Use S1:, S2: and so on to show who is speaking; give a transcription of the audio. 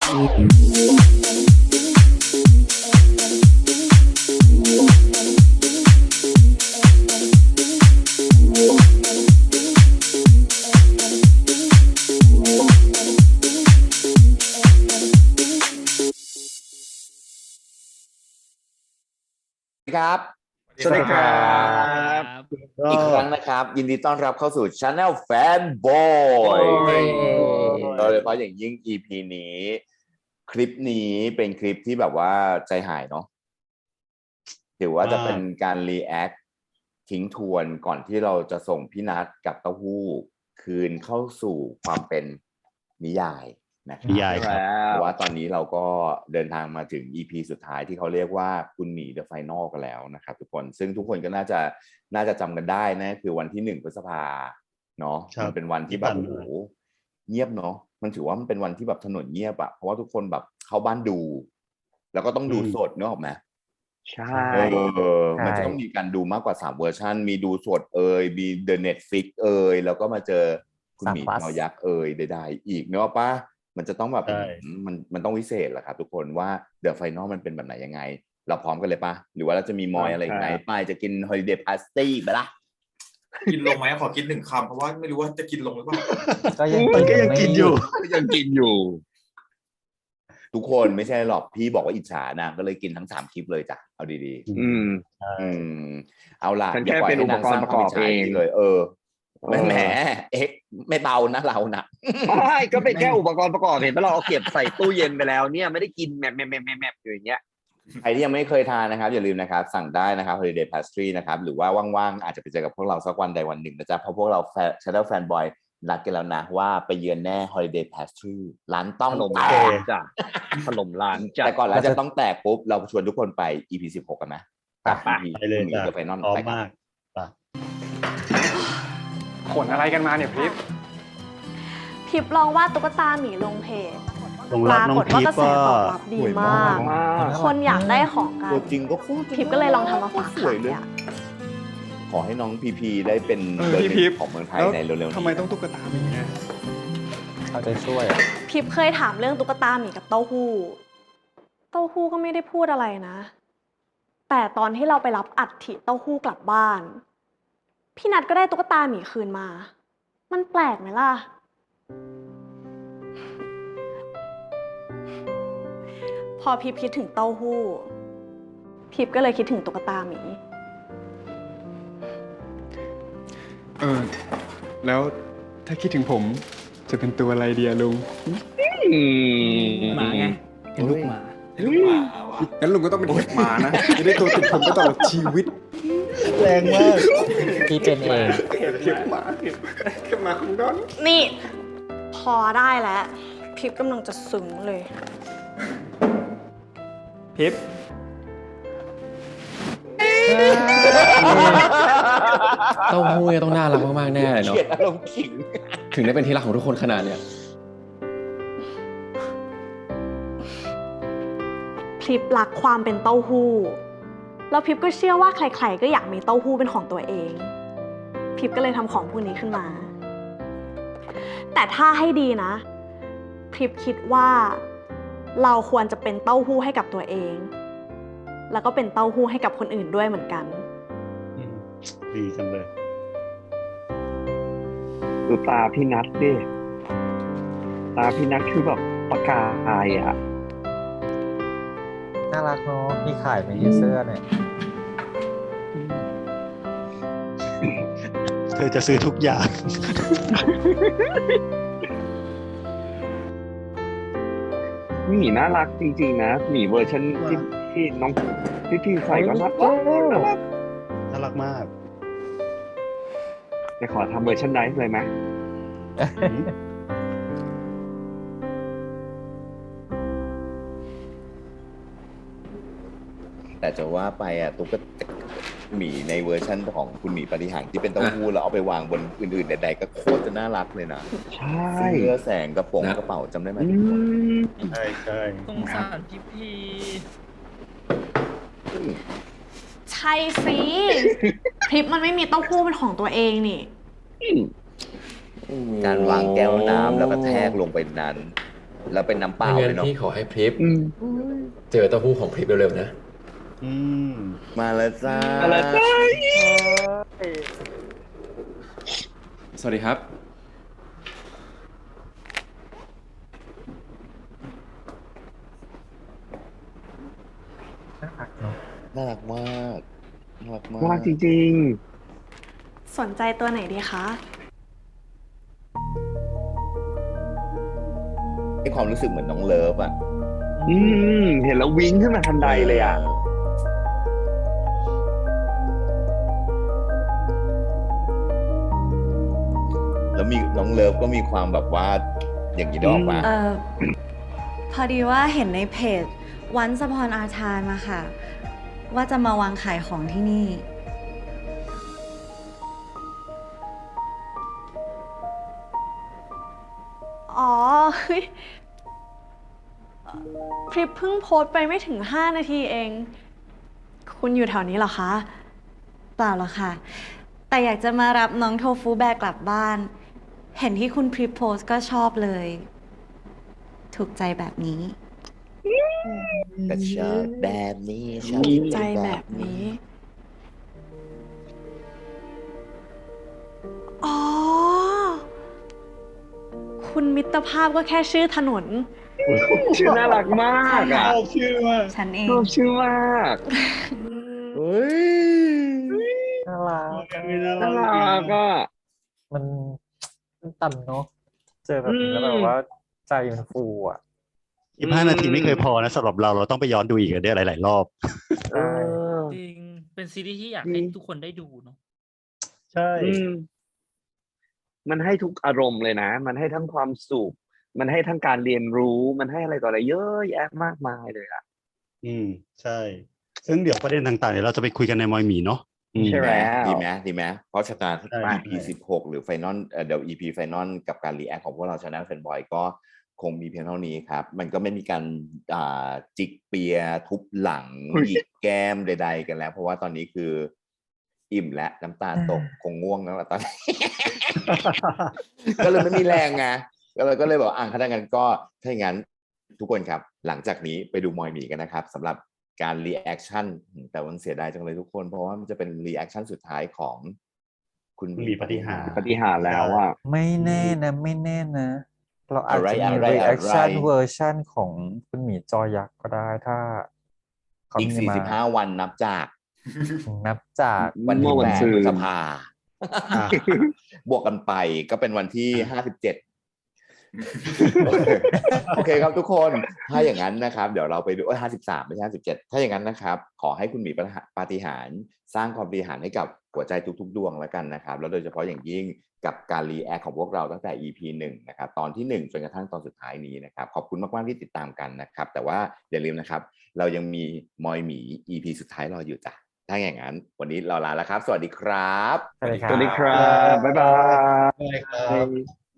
S1: ครับสวัสดีครับอีกครั้งนะครับยินดีต้อนรับเข้าสู่ Channel Fanboy โดยเฉพาะอย่างยิ่ง EP นี้คลิปนี้เป็นคลิปที่แบบว่าใจหายเนาะถือว่าจะเป็นการ react ทิ้งทวนก่อนที่เราจะส่งพี่นัทกับเต้าหู้คืนเข้าสู่ความเป็นนิยายนะครับเพราะว่าตอนนี้เราก็เดินทางมาถึง EP สุดท้ายที่เขาเรียกว่าคุณหมี The Final กันแล้วนะครับทุกคนซึ่งทุกคนก็น่าจะจำกันได้นะคือวันที่1 พฤษภาเนาะมันเป็นวันที่แบบโอ้โหเงียบเนาะมันถือว่ามันเป็นวันที่แบบถนนเงียบอะเพราะว่าทุกคนแบบเข้าบ้านดูแล้วก็ต้องดูสดเนอะออกไหม
S2: ใช่
S1: มันจะต้องมีการดูมากกว่า3เวอร์ชันมีดูสดมี The Netflix แล้วก็มาเจอคุณหมีนอยักษ์ใดๆอีกเนอะป่ะมันจะต้องแบบมันต้องวิเศษแหละครับทุกคนว่า The Final มันเป็นแบบไหนยังไงเราพร้อมกันเลยป่ะหรือว่าเราจะมีมอยอะไรอีกไหมป้ายจะกิน Holiday Party ไปละ
S3: กินลงไหมขอกิน1 คำเพราะว่าไม่รู้ว่าจะกินลงหรือเปล่า
S2: ก็ยังกินอยู่
S1: ทุกคนไม่ใช่หรอกพี่บอกว่าอิจฉานะก็เลยกินทั้ง3คลิปเลยจ้ะเอาดีๆเอาล่ะ
S2: ฉันแค่เป็นอุปกรณ์ประกอบเอง
S1: เลยแหมไม่เบานะเรานะ
S2: ไม่ก็เป็นแค่อุปกรณ์ประกอบเห็นไหมเราเอาเก็บใส่ตู้เย็นไปแล้วเนี่ยไม่ได้กินแมบอยู่อย่างเงี้ย
S1: ใครที่ยังไม่เคยทานนะครับอย่าลืมนะครับสั่งได้นะครับ Holiday Pastry นะครับหรือว่าว่างๆอาจจะไปเจอกับพวกเราสักวันใดวันหนึ่งนะจ๊ะเพราะพวกเรา Channel Fanboy นัดกันแล้วนะว่าไปเยือนแน่ Holiday Pastry ร้านต้อง
S2: แตกจ้ะถล่มร้านจ้ะ
S1: แต่ก่อนร้านจะต้องแตกปุ๊บเราชวนทุกคนไป EP 16กันไหม
S2: ไปเลยจ้ะ
S1: The Final ไปกัน
S3: ขนอะไรกันมาเนี่ย
S4: พิบลองวาดตุ๊กตาหมีลงเพจปรากฏว่ากระแสตอบรับดีมากคนอยากได้ของกัน
S1: ตัวจริงก็คู่
S4: พิบก็เลยลองทำมาฝากขายเลย
S1: ขอให้น้องพีได้เป็นเบอร์หนึ่งของเมืองไทยในเร็วๆนี้
S3: ทำไมต้องตุ๊กตาหมีเนี่ย
S2: เอาใจช่วย
S4: พิบเคยถามเรื่องตุ๊กตาหมีกับเต้าหู้ก็ไม่ได้พูดอะไรนะแต่ตอนที่เราไปรับอัฐิเต้าหู้กลับบ้านพี่นัทก็ได้ตุ๊กตาหมีคืนมามันแปลกไหมล่ะพอพิบคิดถึงเต้าหู้พิบก็เลยคิดถึงตุ๊กตาหมี
S3: แล้วถ้าคิดถึงผมจะเป็นตัวอะไรดีลุง
S2: หมาไงเป็นลูกหมา
S3: งั้นลุงก็ต้องเป็นเห็บหมานะจะได้ตัวติดผมไปตลอดชีวิต
S2: แรงมากพี่เป็นเอง
S3: เห็บหมาของดอน
S4: นี่พอได้แล้วพิบกำลังจะซึ้งเลย
S3: พิบ
S5: เต้าหู้ต้องน่ารักมากๆแน่เลยเนาะ
S1: เขียนอารมณ์ขิง
S5: ถึงได้เป็นที่รักของทุกคนขนาดเนี้ย
S4: พิบรักความเป็นเต้าหู้แล้วพิบก็เชื่อว่าใครๆก็อยากมีเต้าหู้เป็นของตัวเองพิบก็เลยทำของพวกนี้ขึ้นมาแต่ถ้าให้ดีนะพิบคิดว่าเราควรจะเป็นเต้าหู้ให้กับตัวเองแล้วก็เป็นเต้าหู้ให้กับคนอื่นด้วยเหมือนกัน
S2: ดีจังเลยดูตาพี่นัทดิตาพี่นัทคือแบบประกายอ่ะน่ารักเนาะมีขายไหมเสื้อเนี่ยเธอจะซื้อทุกอย่างหมีน่ารักจริงๆนะหมีเวอร์ชันที่น้องพี่ใส่ก็น่ารักมากจะขอทำเวอร์ชันไนท์เลยไหม
S1: แต่จะว่าไปตุ๊กตาหมีในเวอร์ชั่นของคุณหมีปฏิหารที่เป็นเต้าหู้แล้วเอาไปวางบนอื่นๆใดๆก็โคตรจะน่ารักเลยนะ
S2: ใช่
S1: เสื้อแสงกระโปรงกระเป๋าจำได้ไหม
S2: ใช่
S6: สงสารพี
S4: ใช่สิพริบมันไม่มีเต้าหู้เป็นของตัวเองนี่
S1: การวางแก้วน้ำแล้วก็แทกลงไปนั้นแล้วเป็นน้ำเปล่า
S5: ไม่
S1: เล
S5: งั้
S1: ย
S5: น
S1: เนาะ
S5: พี่ขอให้พริบ
S2: อืม
S5: เจอเต้าหู้ของพริบเร็วๆนะ
S3: อืม
S1: มาแล้วจ้า
S2: อะไรจ้า
S5: สวัสดีครับ
S1: น่ารักมากน่ารักมาก
S2: น่ารักจริง
S4: สนใจตัวไหนดีคะ
S1: ให้ความรู้สึกเหมือนน้องเลิฟอ่ะ
S2: ๆเห็นแล้ววิ่งขึ้นมาทันใดเลยอ่ะ
S1: แล้วมีน้องเลิฟก็มีความแบบว่า อย่างนี้ได้ออกมา
S6: พอดีว่าเห็นในเพจ Once Upon a Time มาค่ะ ว่าจะมาวางขายของที่นี่
S4: อ๋อ เฮ้ยพริบเพิ่งโพสต์ไปไม่ถึง 5 นาทีเอง คุณอยู่แถวนี้เหรอคะ
S6: เปล่าหรอกค่ะ แต่อยากจะมารับน้องโทฟูแบกกลับบ้าน เห็นที่คุณพรีโพสต์ก็ชอบเลย ถูกใจแบบนี้
S1: แต่ชอบแบบนี้ชอบ
S4: ใจแบบนี้ อ๋อ คุณมิตรภาพก็แค่ชื่อถนน
S2: ชื่อน่ารักมากอ่ะ
S6: ฉันเอง
S2: ชอบชื่อมาก
S1: เฮ้ย
S7: น่ารัก
S2: น่ารักอ่ะ
S7: มันต่ำเนาะเจอแบบนี้แล้วแบบว่าใจมันฟูอ่ะ
S8: 15 นาทีไม่เคยพอนะสำหรับเราต้องไปย้อนดูอีกเนี่ยหลายๆรอบ
S2: เออ
S9: จริง เป็นซีรีส์ที่อยากให้ทุกคนได้ดูเนาะ
S7: ใช่
S2: มันให้ทุกอารมณ์เลยนะ มันให้ทั้งความสุข มันให้ทั้งการเรียนรู้ มันให้อะไรต่ออะไรเยอะแยะมากมายเลยอ่ะ
S8: ใช่ ซึ่งเดี๋ยวประเด็นต่างๆเดี๋ยวเราจะไปคุยกันในมอยหมีเนาะ
S2: ใช่แล้ว
S1: ดีไหมเพราะฉะนั้น
S8: ใช่
S1: EP 16 หรือไฟนอลเดี๋ยว EP ไฟนอลกับการรีแอคของพวกเรา Channel Fanboy ก็คงมีเพียงเท่านี้ครับ มันก็ไม่มีการจิกเปียทุบหลัง
S2: อุ๊ย
S1: หยิกแก้มใดๆกันแล้ว เพราะว่าตอนนี้คืออิ่มและน้ำตาตกคงง่วงแล้วล่ะตอนนี้ ก็เลยไม่มีแรงไงก็เลยบอกถ้าอย่างนั้นก็ถ้าอย่างนั้นทุกคนครับ หลังจากนี้ไปดูมอยหมีกันนะครับสำหรับการรีแอคชั่นแต่วันเสียดายจังเลยทุกคนเพราะว่ามันจะเป็นรีแอคชั่นสุดท้ายของคุณห
S8: มีปฏิหาร
S2: ปฏิหารย์แล้วอ่ะ
S7: ไม่แน่นะไม่แน่นะ เราอาจจะมี
S1: อะไร
S7: reaction เวอร์ชันของคุณหมีจอยักษ์ก็ได้ถ้าเขา
S1: อีก
S7: มีมา
S1: 45 วันนับจาก
S7: นับจาก
S1: วัน
S2: เมื่
S1: ที่
S2: อวัน
S1: 8
S2: ซืน
S1: พฤษภา
S8: อ่ะ
S1: บวกกันไปก็เป็นวันที่ 57 โอเคครับทุกคนถ้าอย่างนั้นนะครับเดี๋ยวเราไปดู53ไม่ใช่57ถ้าอย่างนั้นนะครับขอให้คุณหมีปาฏิหาริย์สร้างความปาฏิหาริย์ให้กับหัวใจทุกๆดวงแล้วกันนะครับแล้วโดยเฉพาะอย่างยิ่งกับการรีแอคของพวกเราตั้งแต่ EP 1นะครับตอนที่1จนกระทั่งตอนสุดท้ายนี้นะครับขอบคุณมากๆที่ติดตามกันนะครับแต่ว่าอย่าลืมนะครับเรายังมีมอยหมี EP สุดท้ายรออยู่จ้ะถ้าอย่างนั้นวันนี้เราลาแล้วครับ สวัสดีครับ
S7: สวัสดีค
S2: ส
S7: รับ
S2: วัสดีครับ บ๊ายบาย